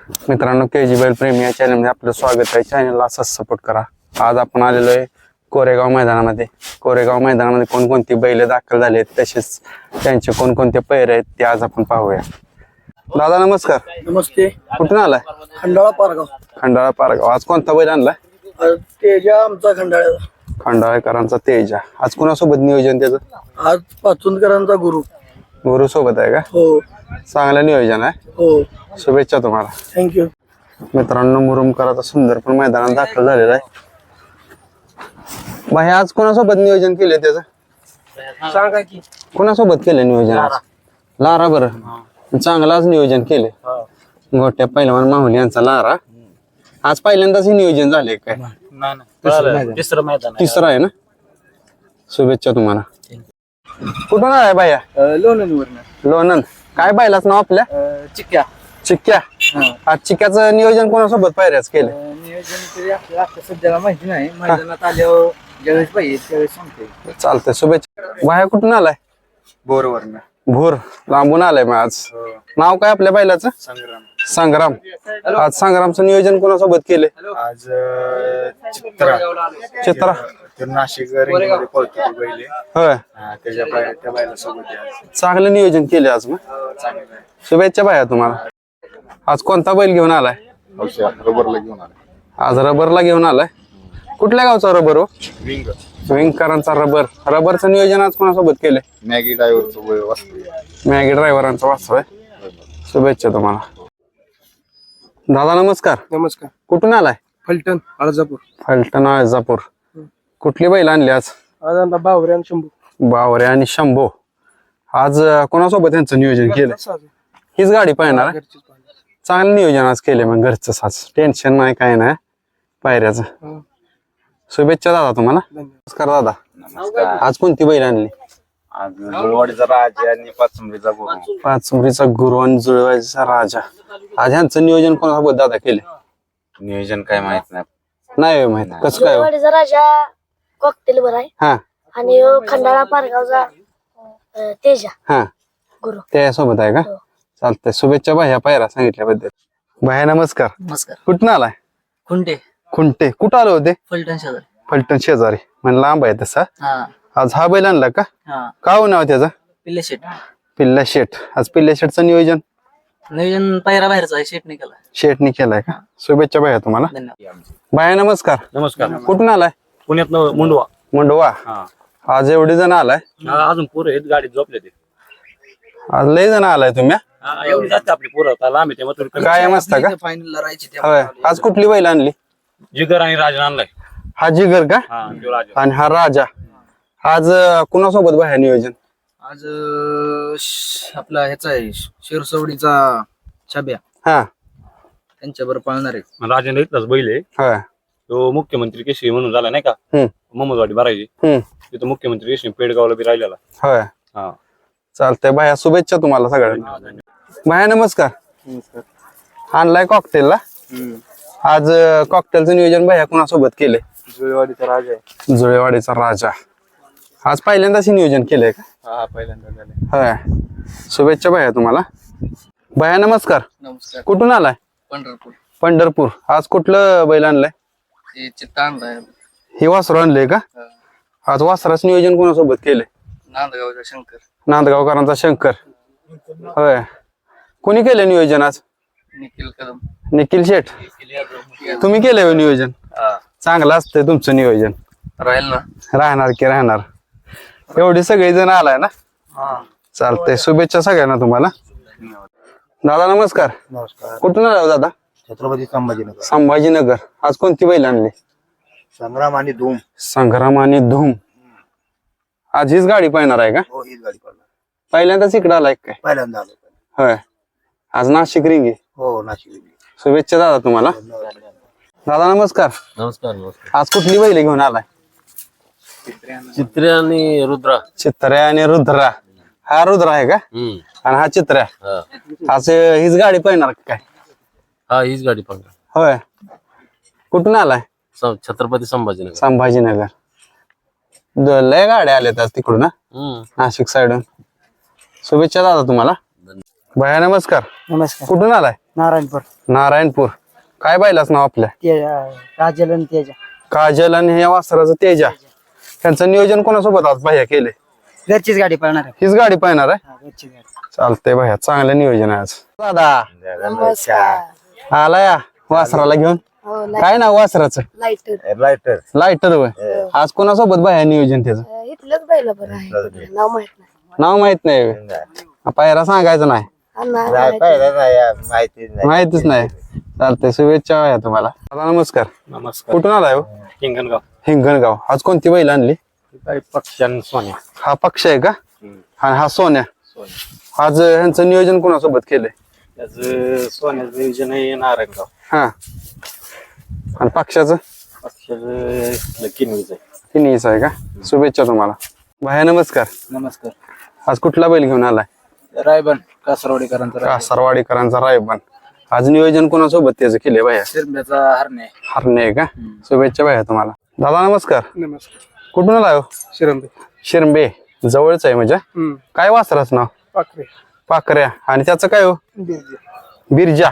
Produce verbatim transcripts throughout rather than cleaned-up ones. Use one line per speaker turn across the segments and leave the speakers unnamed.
मित्रांनो, के जी बैल प्रेमी या चॅनलमध्ये आपलं स्वागत आहे. चॅनलला असाच सपोर्ट करा. आज आपण आलेलो आहे कोरेगाव मैदानामध्ये. कोरेगाव मैदानामध्ये कोणकोणती बैल दाखल झाले आहेत, तसेच त्यांचे कोणकोणते पैर आहेत ते आज आपण पाहूया. दादा नमस्कार.
नमस्ते.
कुठून आलाय?
खंडाळा पारगाव.
खंडाळा पारगाव. आज कोणता बैल आणलाय?
तेजा आमचा खंडाळा.
खंडाळेकरांचा तेजा. आज कोणासोबत नियोजन त्याचं?
आज पाचुंदकरांचा गुरु.
गुरु सोबत आहे का?
हो
चांगलं नियोजन आहे.
हो.
शुभेच्छा तुम्हाला.
थँक्यू.
मित्रांनो, मुरुमकरांचा सुंदर पण मैदानात दाखल झालेला आहे. भाई आज कोणासोबत नियोजन केले त्याचं?
सांगा की.
कोणासोबत केलं नियोजन आज? लारा. बरं, चांगलाच नियोजन केले. गोट्या पहिलवान माहुली यांचा लारा. आज पहिल्यांदाच हे नियोजन झाले काय?
तिसरं मैदान.
तिसरं आहे ना. शुभेच्छा तुम्हाला. कुठून आलाय बाया?
लोणंदवरनं.
लोणंद. काय बायलाच नाव आपल्या?
चिक्क्या.
चिक्क्या. आज चिक्क्याचं नियोजन कोणासोबत पायऱ्याच केलं?
नियोजन तरी आपल्याला आता सध्याला माहिती नाही. मैदानात आल्यावर ज्यावेळेस पाहिजे त्यावेळेस सांगते.
चालतंय. शुभेच्छा. बाया कुठून आलाय?
बोरवरनं.
भोर. लांबून आलाय मग आज. नाव काय आपल्या बैलाचं?
संग्राम.
संग्राम. आज संग्रामचं नियोजन कोणासोबत केले?
आज चित्रा.
चित्रा.
नाशिक
होय.
त्याच्या त्या बायला सोबत
चांगलं नियोजन केले आज. मग शुभेच्छा बाया तुम्हाला. आज कोणता बैल घेऊन आलाय?
रबरला घेऊन आले.
आज रबरला घेऊन आलाय. कुठल्या गावचा रबर हो?
विंग.
विंगकरांचा रबर. रबरचं नियोजन आज कोणासोबत केले?
मॅगी ड्रायव्हरचं वाचतो.
मॅगी ड्रायव्हरांचा वाचव आहे. शुभेच्छा तुम्हाला. दादा नमस्कार.
नमस्कार.
कुठून आलाय?
फलटण अर्जापूर.
फलटण अर्जापूर. कुठली बैल आणली आज?
आज आमचा बावरे आणि शंभू.
बावरे आणि शंभो. आज अं, कोणासोबत यांचं नियोजन केलं? हीच गाडी पाहणार आहे? चांगलं नियोजन आज केले मग घरचं. आज टेन्शन नाही, काय नाही पायऱ्याचं. शुभेच्छा दादा तुम्हाला. नमस्कार दादा. आज कोणती बैल आणली?
आज जुळवाडीचा राजा आणि पाचंबरीचा गुरु.
पाचुंबरीचा गुरु आणि जुळवायचा राजा. आज ह्यांचं नियोजन कोणासोबत दादा केले?
नियोजन काय माहित नाही.
नाही माहित. कसं काय हो?
जुळवाडीचा राजा कॉकटेल बर आहे.
हा
आणि ह्यो खंडाळा पारगावचा अं, तेजा
हा
गुरु.
त्यासोबत आहे का?
हो.
चालतंय. शुभेच्छा भाया पायरा सांगितल्याबद्दल. भाया नमस्कार.
नमस्कार.
कुठून आलाय?
खुंटे.
खुंटे. कुठं आलो होते?
फलटण शेजारी.
फलटण शेजारी. म्हणजे लांब आहे तसा.
हा
आज हा बैल आणला का?
हा.
काय हो नाव त्याचं?
पिल्ले शेट.
पिल्ला शेठ. आज पिल्ला शेठचं नियोजन
नियोजन पायरा बाहेरचा आहे. शेटने केला.
शेठनी केलाय का? शुभेच्छा भाया तुम्हाला.
धन्यवाद.
भाया नमस्कार.
नमस्कार.
कुठून आलाय?
पुण्यात मुंडवा.
मुंडवा. आज एवढे जण आलाय?
अजून पोरं आहेत गाडीत झोपले ते.
आज लय जण आलाय तुम्ही?
हा, एवढी जास्त आपली पोरं आता लांब आहे तेव्हा थोडी
कायम असता का?
फायनल राहायची.
होय. आज कुठली बैल आणली?
जिगर आणि राजन आणलाय.
हा जिगर का?
हा तो राजा.
आणि हा राजा. आज अं, कुणासोबत भाया नियोजन?
आज अं, श- आपला ह्याचा आहे शिरसवडीचा छाब्या
हा
त्यांच्याबरोबर पाळणार आहे.
राजन इथलाच बैल आहे.
होय.
तो मुख्यमंत्री केशरी म्हणून झाला नाही का?
हम्म.
मोहम्मदवाडी भरायची.
हम्म.
तिथं मुख्यमंत्री केशरी पेडगावला बी राहिलेला.
होय.
हा.
चालतंय भाया. शुभेच्छा तुम्हाला सगळ्यांना. भाया नमस्कार. आणलाय कॉकटेलला. आज कॉकटेलचं नियोजन भाया कोणासोबत केले?
जुळवाडीचा राजा आहे.
जुळेवाडीचा राजा. आज पहिल्यांदाच हे नियोजन केलंय का?
हा पहिल्यांदा झाले.
होय. शुभेच्छा भाया तुम्हाला. भाया नमस्कार.
नमस्कार.
कुठून आलाय?
पंढरपूर.
पंढरपूर. आज कुठलं बैल आणलंय?
हे चित्ता आणलाय.
हे वासरू आणलंय का? आज वासराचं नियोजन कोणासोबत केलंय?
नांदगावचा शंकर.
नांदगावकरांचा शंकर. होय. कोणी केलं नियोजन आज?
निखिल कदम.
निखिल शेठ. तुम्ही केलंय हो नियोजन? चांगलं असतंय तुमचं नियोजन.
राहील ना.
राहणार की राहणार. एवढी सगळी जण आलाय ना? चालतंय. शुभेच्छा सगळ्यांना तुम्हाला. दादा नमस्कार.
नमस्कार.
कुठून आला हो दादा?
छत्रपती संभाजीनगर.
संभाजीनगर. आज कोणती बैल आणली?
संग्राम आणि धूम.
संग्राम आणि धूम. आज हीच गाडी पाहणार आहे का?
हो हीच गाडी पडला.
पहिल्यांदाच इकडे आलाय काय?
पहिल्यांदा आलो.
होय. आज नाशिक रिंगी.
हो नाशिक.
शुभेच्छा दादा तुम्हाला. दादा नमस्कार.
नमस्कार. नमस्कार.
आज कुठली बैल घेऊन आलाय?
चित्रे आणि रुद्रा.
चित्र्या आणि रुद्रा. हा रुद्रा आहे का? आणि हा चित्र्या. आज हीच गाडी पाहणार का काय?
हा हीच गाडी पण.
होय. कुठून आलाय?
छत्रपती संभाजीनगर.
संभाजीनगर. द- लय गाड्या आल्यात आज तिकडून ना,
हम्म.
नाशिक साईडून. शुभेच्छा दादा तुम्हाला. भैया नमस्कार.
नमस्कार.
कुठून आलाय?
नारायणपूर.
नारायणपूर. काय बैलाच नाव आपल्या?
काजल आणि तेजा.
काजल आणि या वासराचं तेजा. त्यांचं नियोजन कोणासोबत आज भैया केले?
घरचीच गाडी पळणार आहे.
हीच गाडी पाहणार आहे.
हा, घरची गाडी.
चालतंय भैया, चांगलं नियोजन आहे आज. दादा
नमस्कार.
आला या वासराला घेऊन.
हो
काय नाव वासराचं?
लाईटर.
लायटर.
लायटर वय. आज कोणासोबत भैया नियोजन त्याचं?
इथलंच बैल बरं आहे. नाव माहित नाही.
नाव माहित नाही व्हय. पायरा सांगायचं नाही.
हा, नाही माहित.
माहिती
माहितीच नाही. चालतंय, शुभेच्छा भैया तुम्हाला. दादा नमस्कार.
नमस्कार.
कुठून आलाय हो?
हिंगणगाव.
हिंगणगाव. आज कोणती बैल आणली?
पक्षान सोन्या.
हा पक्ष आहे का? आणि हा सोन्या. आज ह्यांचं नियोजन कोणासोबत केलंय?
त्याचं सोन्याचं नियोजन आहे नारायणगाव.
हा. आणि पक्षाचं?
पक्षाचं किनवीच आहे.
तिन्हीच आहे का? शुभेच्छा तुम्हाला. भाया नमस्कार.
नमस्कार.
आज कुठला बैल घेऊन आलाय?
रायबन कासरवाडीकरांचा.
कासारवाडीकरांचा रायबन. आज नियोजन कोणासोबत त्याचं केलंय भाया?
शिरंब्याचा हरणे.
हरणे आहे का? शुभेच्छा भाया तुम्हाला. दादा नमस्कार.
नमस्कार.
कुठून आलाय हो?
शिरंबे.
शिरंबे. जवळच आहे म्हणजे. काय वासराच नाव?
पाखरे.
पाकऱ्या. आणि त्याचं काय हो? बिरजा.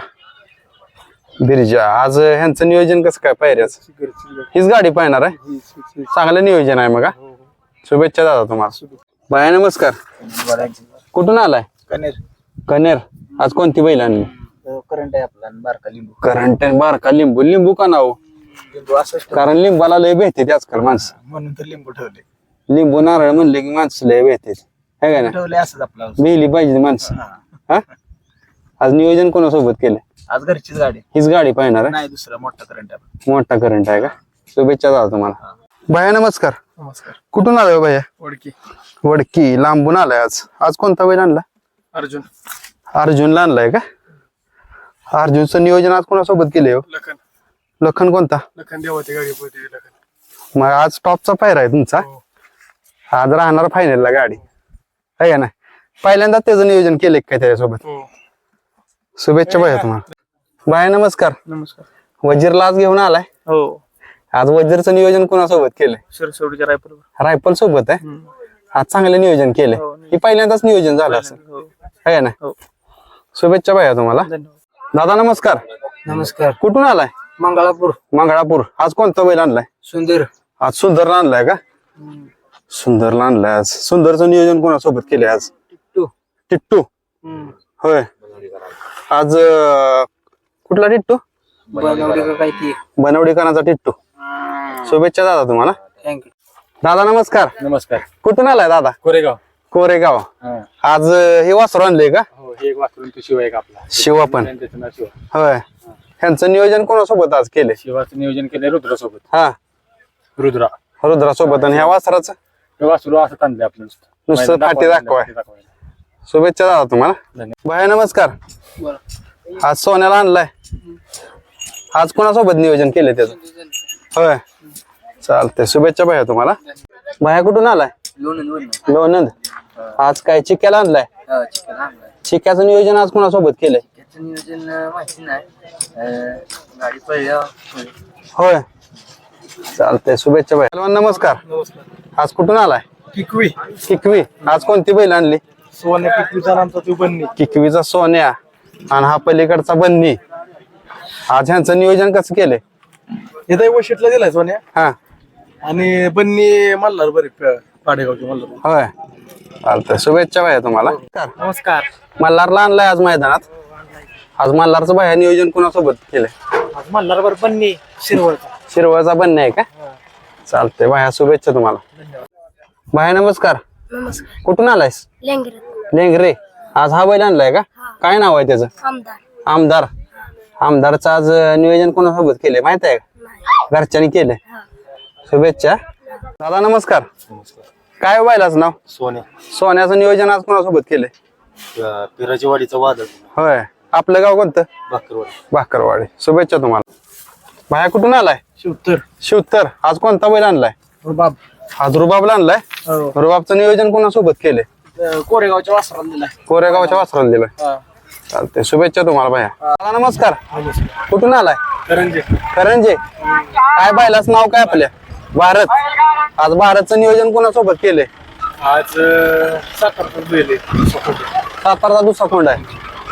बिरजा. आज ह्यांचं नियोजन कसं काय पायऱ्याचं? हीच गाडी पाहणार आहे. चांगलं नियोजन आहे मग हा? शुभेच्छा दादा तुम्हाला. बाया नमस्कार. कुठून आलाय?
कनेर.
कनेर. आज कोणती बैल आणली?
करंट आहे आपला आणि बारका लिंबू.
करंट बारका लिंबू. लिंबू का नाव?
लिंबू असंच
कारण लिंबाला लय भेटते आजकाल माणसं.
म्हणून तर लिंबू ठेवले.
लिंबू नारळ म्हणले की माणसं लय भेटते, है का ना?
ठेवले असंच आपला.
मिली पाहिजे माणसं. हा. आज नियोजन कोणासोबत केलंय?
आज घरचीच गाडी.
हीच गाडी पाहणार आहे.
नाही दुसरा मोठा करंट आहे.
मोठा करंट आहे का? शुभेच्छा दादा तुम्हाला. भैया नमस्कार.
नमस्कार.
कुठून आलाय भैया?
ओळखी.
वडकी. लांबून आलाय आज. आज कोणता बैल आणला?
अर्जुन.
अर्जुनला आणलाय का? अर्जुनचं नियोजन आज कोणासोबत केलंय हो?
लखन.
लखन कोणता?
लखन देवाची गाडी पळते लखन.
मग आज टॉपचा पायरा आहे तुमचा. आज राहणार फायनलला गाडी, आहे का ना? पहिल्यांदा त्याचं नियोजन केलंय काय त्याच्यासोबत? शुभेच्छा भैया तुम्हाला. बाय नमस्कार.
नमस्कार.
वजीरला आज घेऊन आलाय.
हो.
आज वजीरचं नियोजन कोणासोबत केलंय?
शिरसवडीच्या रायपूर.
रायफल सोबत आहे. आज चांगलं नियोजन केलंय. हे पहिल्यांदाच नियोजन झालं असं, आहे ना? शुभेच्छा भैया तुम्हाला. दादा नमस्कार.
नमस्कार.
कुठून आलाय?
मंगळापूर.
मंगळापूर. आज कोणता बैल आणलाय?
सुंदर.
आज सुंदरला आणलाय का? सुंदरला आणलाय आज. सुंदरचं नियोजन कोणासोबत केलंय आज?
टिट्टू.
टिट्टू. होय. आज अं, कुठला टिट्टू?
बनवडी का काय ती.
बनवडीकरांचा टिट्टू. शुभेच्छा दादा तुम्हाला.
थँक्यू.
दादा नमस्कार.
नमस्कार.
कुठून आलाय दादा?
कोरेगाव.
कोरेगाव. आज अं, हे वासरू आणलंय का?
हो, हे एक वासरून तो शिवा एक आपला.
शिवा पण.
त्याचं नाव शिवा.
होय. ह्यांचं नियोजन कोणासोबत आज केलंय?
शिवाचं नियोजन केलंय रुद्रासोबत.
हा.
रुद्रा.
रुद्रासोबत. आणि ह्या वासराचं
हे वासरू असं ताणलंय आपलं नुसतं.
नुसतं फाटी दाखवाय. शुभेच्छा दादा तुम्हाला. भैया नमस्कार. आज सोन्याला आणलाय. आज कोणासोबत नियोजन केलंय त्याचं? होय. चालतंय, शुभेच्छा भैया तुम्हाला. भैया कुठून आलाय? लोणंद. आज काय चिक्याला आणलाय? चिक्याचं नियोजन आज कोणासोबत केलंय?
नियोजन माहिती नाही. गाडी पळल्या.
होय. चालतंय, शुभेच्छा भैया. नमस्कार. आज कुठून आलाय?
किकवी.
किकवी. आज कोणती बैल आणली?
सोन्या किकवीचा नामचा तू बन्नी.
किकवीचा सोन्या आणि हा पलीकडचा बन्नी. आज ह्यांचं नियोजन कसं केलंय?
हे वशीटला दिलाय सोन्या.
हा.
आणि बन्नी मल्हार बरे पाडेगावचे मल्हार.
होय. चालतंय, शुभेच्छा भैया तुम्हाला.
नमस्कार.
मल्हारला आणलाय आज मैदानात. आज मल्हारचं भैया नियोजन कोणासोबत केलंय?
आज मल्हार बर बन्नी शिरवळचा.
शिरवळचा बन्नी आहे का? चालतंय भैया, शुभेच्छा तुम्हाला. भैया नमस्कार.
नमस्कार.
कुठून आलायस?
लेंगरे.
लेंगरे. आज हा बैल आणलाय का? काय नाव आहे त्याचं?
आमदार.
आमदार. आमदारचं आज नियोजन कोणासोबत केलंय माहित आहे का? घरच्यांनी केलंय. शुभेच्छा. दादा नमस्कार. काय बैलाचं नाव?
सोन्या.
सोन्याचं नियोजन आज कोणासोबत केलंय?
पिराची वाडीचा वादळ.
होय. आपलं गाव कोणतं?
भाकरवाडी.
भाकरवाडी. शुभेच्छा तुम्हाला. भाया कुठून आलाय?
शिवतर.
शिवतर. आज कोणता बैल आणलाय?
रुबाब.
आज रुबाबला आणलाय. रुबाबचं नियोजन कोणासोबत केलंय?
कोरेगावच्या वासराला दिलाय.
कोरेगावच्या वासराला दिलंय. चालतंय, शुभेच्छा तुम्हाला भाया. दादा नमस्कार. कुठून आलाय?
करंजे.
करंजे. काय बैलाच नाव काय आपल्या? भारत. आज भारतचं नियोजन कोणासोबत केलंय?
आज सातारपूर बेले.
सातारचा दुसरा कोंड आहे.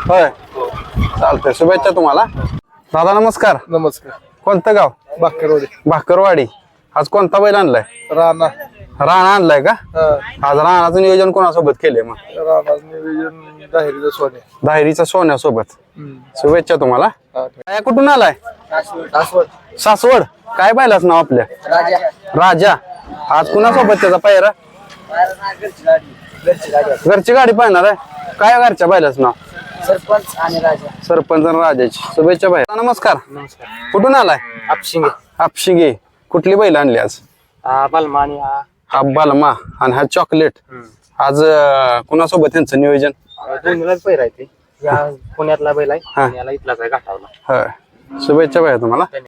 होय चालतंय शुभेच्छा तुम्हाला दादा नमस्कार
नमस्कार.
कोणतं गाव
बाकरवाडी.
भाकरवाडी आज कोणता बैल आणलाय
राणा.
राणा आणलाय का आज राणाचं नियोजन कोणासोबत केलंय मग
राणा नियोजन दाहिरीचं सोने.
दाहिरीचा सोन्यासोबत शुभेच्छा तुम्हाला काय कुठून आलाय सासवड काय बैलाच नाव आपल्या
राजा.
राजा आज कुणासोबत त्याचा पायरा घरची गाडी पाहणार आहे काय घरच्या बैलाच नाव
सरपंच आणि राजा.
सरपंच आणि राजाची शुभेच्छा बाई नमस्कार कुठून आलाय
आपशिंगे.
हापशिंगे कुठली बैल आणली आज
बलमा आणि हा
हा बलमा आणि हा चॉकलेट आज अं, कुणासोबत त्यांचं नियोजन
दोन्हीलाच पैर आहे ते. या पुण्यातला बैल आहे
हा.
याला इथलाच आहे घाटावला.
होय शुभेच्छा बाई तुम्हाला